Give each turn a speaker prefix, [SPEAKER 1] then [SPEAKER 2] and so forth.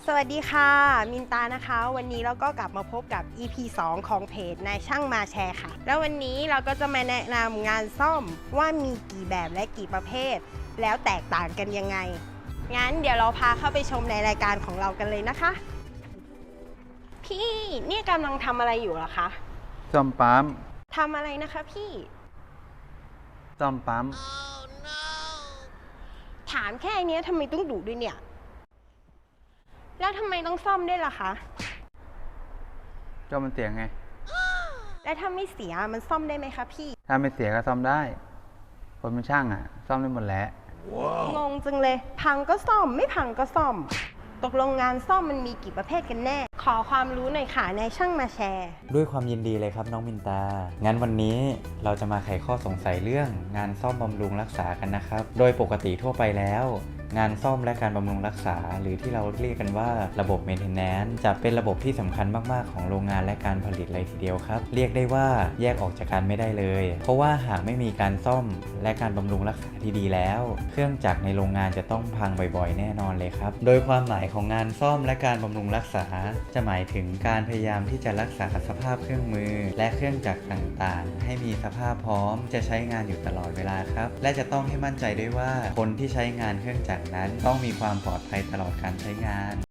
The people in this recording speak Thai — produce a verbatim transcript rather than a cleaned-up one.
[SPEAKER 1] วัสดีค่ะมินตานะคะวันนี้เราก็กลับมาพบกับ อี พี สองของเพจนายช่างมาแชร์ค่ะแล้ววันนี้เราก็จะมาแนะนำงานซ่อมว่ามีกี่แบบและกี่ประเภทแล้วแตกต่างกันยังไงงั้นเดี๋ยวเราพาเข้าไปชมในรายการของเรากันเลยนะคะพี่นี่กำลังทำอะไรอยู่เหรอคะ
[SPEAKER 2] ซ่อมปั๊ม
[SPEAKER 1] ทำอะไรนะคะพี่
[SPEAKER 2] ซ่อมปั๊ม
[SPEAKER 1] ถามแค่นี้ทำไมต้องดุด้วยเนี่ยแล้วทำไมต้องซ่อมด้วยล่ะคะ
[SPEAKER 2] ก็มันเสียไง
[SPEAKER 1] แล้วถ้าไม่เสียมันซ่อมได้ไหมคะพี่
[SPEAKER 2] ถ้าไม่เสียก็ซ่อมได้คนเป็นช่างอ่ะ ซ่อมได้หมดแหละ
[SPEAKER 1] งงจังเลยพังก็ซ่อมไม่พังก็ซ่อมตกลงงานซ่อมมันมีกี่ประเภทกันแน่ขอความรู้หน่อยค่ะนายช่างมาแชร์
[SPEAKER 3] ด้วยความยินดีเลยครับน้องมินตา งั้นวันนี้เราจะมาไขข้อสงสัยเรื่องงานซ่อมบำรุงรักษากันนะครับ โดยปกติทั่วไปแล้ว งานซ่อมและการบำรุงรักษาหรือที่เราเรียกกันว่าระบบ Maintenance จะเป็นระบบที่สำคัญมากๆของโรงงานและการผลิตเลยทีเดียวครับ เรียกได้ว่าแยกออกจากกันไม่ได้เลย เพราะว่าหากไม่มีการซ่อมและการบำรุงรักษาที่ดีแล้ว เครื่องจักรในโรงงานจะต้องพังบ่อยๆ แน่นอนเลยครับ โดยความหมายของงานซ่อมและการบำรุงรักษาจะหมายถึงการพยายามที่จะรักษาสภาพเครื่องมือและเครื่องจักรต่างๆให้มีสภาพพร้อมจะใช้งานอยู่ตลอดเวลาครับและจะต้องให้มั่นใจด้วยว่าคนที่ใช้งานเครื่องจักรนั้นต้องมีความปลอดภัยตลอดการใช้งาน